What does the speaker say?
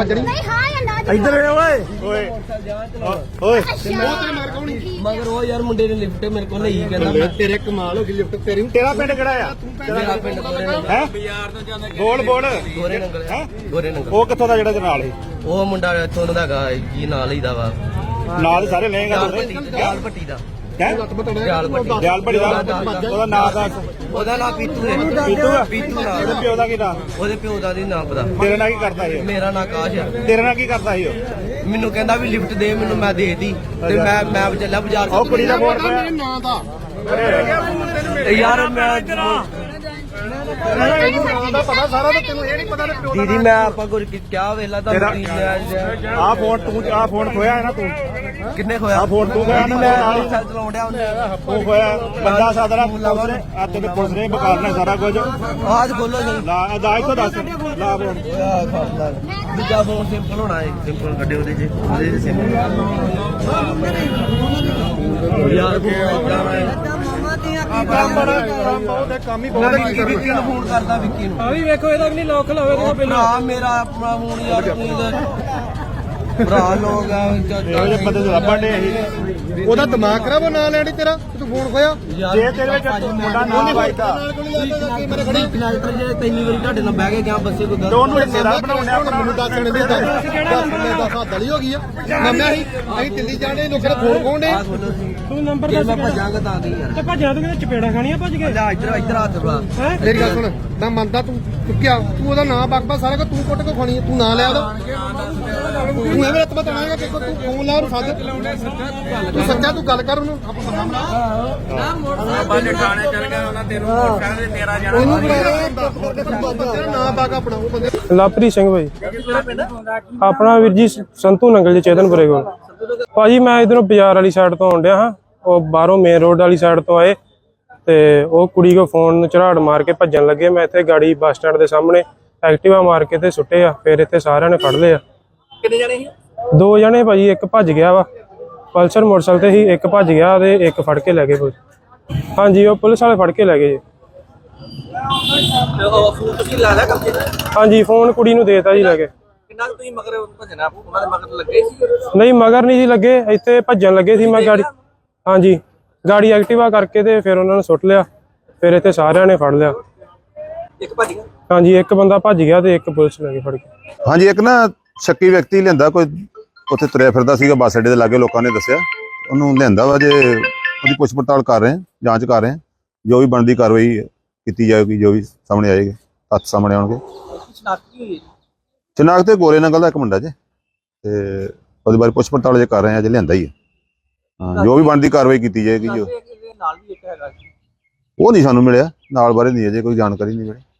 नहीं हां या ना इधर ओए ओए ओए मगर वो यार मुंडे ने लिफ्ट मेरे को नहीं कहंदा तेरे कमाल हो गई लिफ्ट तेरी तेरा पिंड किहड़ा आ मेरा पिंड है बोल बोल गोरे नंगल है गोरे नंगल ਉਹ ਕਿੱਥੋਂ ਦਾ ਜਿਹੜਾ ਦੇ ਨਾਲ ਸੀ ਉਹ ਮੁੰਡਾ ਇੱਥੋਂ ਦਾ ਹੈਗਾ ਕੀ ਨਾਲ ਹੀ ਦਾ ਵਾ ਨਾਲ ਸਾਰੇ ਲਏਗਾ ਜਾਲ ਭੱਟੀ ਦਾ ਜਾਲ ਭੱਟੀ ਦਾ ਉਹਦਾ ਨਾਂ ਦਾ ਉਹਦਾ ਨਾਂ ਪੀਤੂ ਹੈ ਪੀਤੂ ਆ ਪੀਤੂ ਉਹਦੇ ਪਿਓ ਦਾ ਕੀ ਨਾਂ ਉਹਦੇ ਪਿਓ ਦਾ ਨਹੀਂ ਨਾਂ ਪਤਾ ਤੇਰੇ ਨਾਲ ਕੀ ਕਰਦਾ ਸੀ ਮੇਰਾ ਨਾਂ ਆਕਾਸ਼ ਹੈ ਤੇਰੇ ਨਾਲ ਕੀ ਕਰਦਾ ਸੀ ਉਹ ਮੈਨੂੰ ਕਹਿੰਦਾ ਵੀ ਲਿਫਟ ਦੇ ਮੈਨੂੰ ਮੈਂ ਦੇਤੀ ਤੇ ਮੈਂ ਚੱਲਿਆ ਬਾਜ਼ਾਰ ਉਹ ਕੁੜੀ ਦਾ ਫੋਨ ਪਿਆ ਨਾਂ ਦਾ ਯਾਰ ਮੈਂ ਪਤਾ ਸਾਰਾ ਤਾਂ ਤੈਨੂੰ ਇਹ ਨਹੀਂ ਪਤਾ ਤੇ ਪਿਓ ਦੀਦੀ ਮੈਂ ਆਪਾਂ ਕੁਝ ਕਿਹਾ ਵੇਲਾ ਤਾਂ ਆ ਫੋਨ ਤੂੰ ਆ ਫੋਨ ਖੋਇਆ ਹੈ ਨਾ ਤੂੰ ਕਿੰਨੇ ਖੋਇਆ ਆ ਫੋਨ ਤੂੰ ਖੋਇਆ ਨਾ ਮੈਂ ਨਾਲ ਚਲਾਉਣ ਡਿਆ ਉਹਨੇ ਉਹ ਖੋਇਆ ਬੰਦਾ ਸਾਦਰਾ ਆ ਤੇਰੇ ਪੁਲਿਸ ਨੇ ਬਕਾਰਨਾ ਸਾਰਾ ਕੁਝ ਆਜ ਖੋਲੋ ਜੀ ਲਾ ਅਦਾਇ ਤੋਂ ਦੱਸ ਲਾ ਫੋਨ ਦੂਜਾ ਫੋਨ ਸਿੰਪਲ ਹੋਣਾ ਹੈ ਸਿੰਪਲ ਕੱਢੇ ਉਹਦੇ ਚ ਸਿੰਪਲ ਯਾਰ ਕੰਮ ਹੀ ਵਿੱਕੀ ਨੂੰ ਫੋਨ ਕਰਦਾ ਵਿੱਕੀ ਨੂੰ ਆ ਵੀ ਵੇਖੋ ਇਹਦਾ ਵੀ ਨਹੀਂ ਲੋਕ ਲਾਵੇ ਇਹਦਾ ਪਹਿਲਾਂ ਮੇਰਾ ਆਪਣਾ ਫੋਨ ਯਾਰ ਤੂੰ ਭਰਾ ਲੋਕ ਆ ਇਹੋ ਜਿਹੇ ਬੰਦੇ ਤੋਂ ਲੱਭਣ ਦੇ ਅਸੀਂ ਉਹਦਾ ਦਿਮਾਗ ਖਰਾਬ ਨਾ ਲੈਣੀ ਤੇਰਾ ਤੂੰ ਫੋਨ ਖੋਇਆ ਜੇ ਤੇਰੇ ਵਿੱਚ ਮੁੰਡਾ ਨਾ ਵੱਜਦਾ ਕਨੈਕਟਰ ਜੇ ਤਿੰਨੀ ਵਾਰੀ ਤੁਹਾਡੇ ਨਾਲ ਬਹਿ ਕੇ ਗਿਆ ਬੱਸੇ ਕੋਈ ਤੇ ਉਹਨੂੰ ਹਿੱਸੇਦਾਰ ਬਣਾਉਣਾ ਆਪਣਾ ਮੈਨੂੰ ਦੱਸ ਦੇਣ ਦੇ ਦੱਸ ਹੱਦ ਵਾਲੀ ਹੋ ਗਈ ਆ ਨੰਮਿਆ ਅਸੀਂ ਦਿੱਲੀ ਜਾਣੇ ਲੋਕਾਂ ਦਾ ਫੋਨ ਖੋਣਦੇ ਤੂੰ ਨੰਬਰ ਦੱਸ ਮੈਂ ਭੱਜਾਂਗਾ ਤਾਂ ਦੀ ਯਾਰ ਤੇ ਭੱਜਾਂ ਤੂੰ ਚਪੇੜਾ ਖਾਣੀਆਂ ਭੱਜ ਕੇ ਲੈ ਇੱਧਰ ਹੱਥ ਬੜਾ ਮੇਰੀ ਗੱਲ ਸੁਣ ਮੈਂ ਮੰਨਦਾ ਤੂੰ ਚੁੱਕਿਆ ਤੂੰ ਉਹਦਾ ਨਾਂ ਬਕਬਾ ਸਾਰਾ ਕੁਝ ਤੂੰ ਕੁੱਟ ਕੇ ਖਾਣੀ ਤੂੰ ਨਾਂ ਲਿਆ ਉਹਦਾ ਤੂੰ ਐਵੇਂ ਰਤਬਾ ਤਣਾਏਗਾ ਕਿ ਤੂੰ ਫੋਨ ਲਾ ਉਹਨੂੰ ਸੱਦ ਤੂੰ ਸੱਚਾ ਤੂੰ ਗੱਲ ਕਰ ਉਹਨੂੰ ਬਾਜੇ ਥਾਣੇ ਚੱਲ ਗਿਆ ਉਹਨਾਂ ਤੈਨੂੰ ਮੋਟਰਸਾਈਕਲ ਤੇ ਤੇਰਾ ਜਾਣਾ ਉਹਨੂੰ ਬੁਲਾ ਨਾਂ ਬਾਗਾ ਆਪਣਾ ਉਹ ਬੰਦੇ ਲਵਪ੍ਰੀਤ ਸਿੰਘ ਭਾਈ ਆਪਣਾ ਵੀਰ ਜੀ ਸੰਤੂ ਨੰਗਲ ਜੀ ਚੇਤਨਪੁਰੇ ਕੋਲ ਭਾਜੀ ਮੈਂ ਇਧਰੋਂ ਬਾਜ਼ਾਰ ਵਾਲੀ ਸਾਈਡ ਤੋਂ ਆਉਣ ਡਿਆ ਹਾਂ ਉਹ ਬਾਹਰੋਂ ਮੇਨ ਰੋਡ ਵਾਲੀ ਸਾਈਡ ਤੋਂ ਆਏ ਤੇ ਉਹ ਕੁੜੀ ਕੋ ਫੋਨ ਨੂੰ ਝਰਾੜ ਮਾਰ ਕੇ ਭੱਜਣ ਲੱਗੇ ਮੈਂ ਇੱਥੇ ਗਾੜੀ ਬੱਸ ਸਟੈਂਡ ਦੇ ਸਾਹਮਣੇ ਐਕਟਿਵਾ ਮਾਰ ਕੇ ਤੇ ਸੁੱਟੇ ਆ ਫਿਰ ਇੱਥੇ ਸਾਰਿਆਂ ਨੇ ਫੜ ਲਿਆ ਕਿੰਨੇ ਜਣੇ ਸੀ 2 ਜਣੇ ਭਾਜੀ ਇੱਕ ਭੱਜ ਗਿਆ ਵਾ ਪਲਸਰ ਮੋਟਰਸਾਈਕਲ ਤੇ ਹੀ ਇੱਕ ਭੱਜ ਗਿਆ ਤੇ ਇੱਕ ਫੜ ਕੇ ਲੈ ਗਏ ਪੁਲਿਸ ਹਾਂਜੀ ਉਹ ਪੁਲਿਸ ਵਾਲੇ ਫੜ ਕੇ ਲੈ ਗਏ ਜੀ ਫੋਨ ਤੁਸੀਂ ਲਾ ਲਿਆ ਕਬਜੇ ਹਾਂਜੀ ਫੋਨ ਕੁੜੀ ਨੂੰ ਦੇਤਾ ਜੀ ਲੈ ਕੇ ਕਿੰਨਾ ਤੁਸੀਂ ਮਗਰ ਭਜਣਾ ਉਹਨਾਂ ਦੇ ਮਗਰ ਲੱਗੇ ਸੀ ਨਹੀਂ ਮਗਰ ਨਹੀਂ ਸੀ ਲੱਗੇ ਇੱਥੇ ਭੱਜਣ ਲੱਗੇ ਸੀ ਮੈਂ ਗਾੜੀ ਹਾਂਜੀ ਗਾੜੀ ਐਕਟਿਵਾ ਕਰਕੇ ਤੇ ਫਿਰ ਉਹਨਾਂ ਨੂੰ ਸੁੱਟ ਲਿਆ ਫਿਰ ਇੱਥੇ ਸਾਰਿਆਂ ਨੇ ਫੜ ਲਿਆ ਇੱਕ ਭੱਜ ਗਿਆ ਹਾਂਜੀ ਇੱਕ ਬੰਦਾ ਭੱਜ ਗਿਆ ਤੇ ਇੱਕ ਪੁਲਿਸ ਲੈ ਕੇ ਫੜ ਕੇ ਹਾਂਜੀ ਇੱਕ ਨਾ ਸ਼ੱਕੀ ਵਿਅਕਤੀ ਲਿਆਂਦਾ ਕੋਈ ਉੱਥੇ ਤੁਰਿਆ ਫਿਰਦਾ ਸੀਗਾ ਬੱਸ ਅੱਡੇ ਦੇ ਲਾਗੇ ਲੋਕਾਂ ਨੇ ਦੱਸਿਆ ਉਹਨੂੰ ਲਿਆਂਦਾ ਵਾ ਜੇ ਉਹਦੀ ਪੁੱਛ ਪੜਤਾਲ ਕਰ ਰਹੇ ਜਾਂਚ ਕਰ ਰਹੇ ਜੋ ਵੀ ਬਣਦੀ ਕਾਰਵਾਈ ਕੀਤੀ ਜਾਏਗੀ ਜੋ ਵੀ ਸਾਹਮਣੇ ਆਏਗੀ ਤੱਥ ਸਾਹਮਣੇ ਆਉਣਗੇ ਸ਼ਨਾਖਤ ਤੇ ਗੋਰੇ ਨੰਗਲ ਦਾ ਇੱਕ ਮੁੰਡਾ ਜੇ ਤੇ ਉਹਦੇ ਬਾਰੇ ਪੁੱਛ ਪੜਤਾਲ ਜੇ ਕਰ ਰਹੇ ਆ ਜੇ ਲਿਆਂਦਾ ਹੀ ਹੈ ਜੋ ਵੀ ਬਣਦੀ ਕਾਰਵਾਈ ਕੀਤੀ ਜਾਏਗੀ ਜੋ ਨਾਲ ਵੀ ਇੱਕ ਹੈਗਾ ਉਹ ਨਹੀਂ ਸਾਨੂੰ ਮਿਲਿਆ ਨਾਲ ਬਾਰੇ ਨਹੀਂ ਅਜੇ ਕੋਈ ਜਾਣਕਾਰੀ ਨਹੀਂ ਮਿਲੀ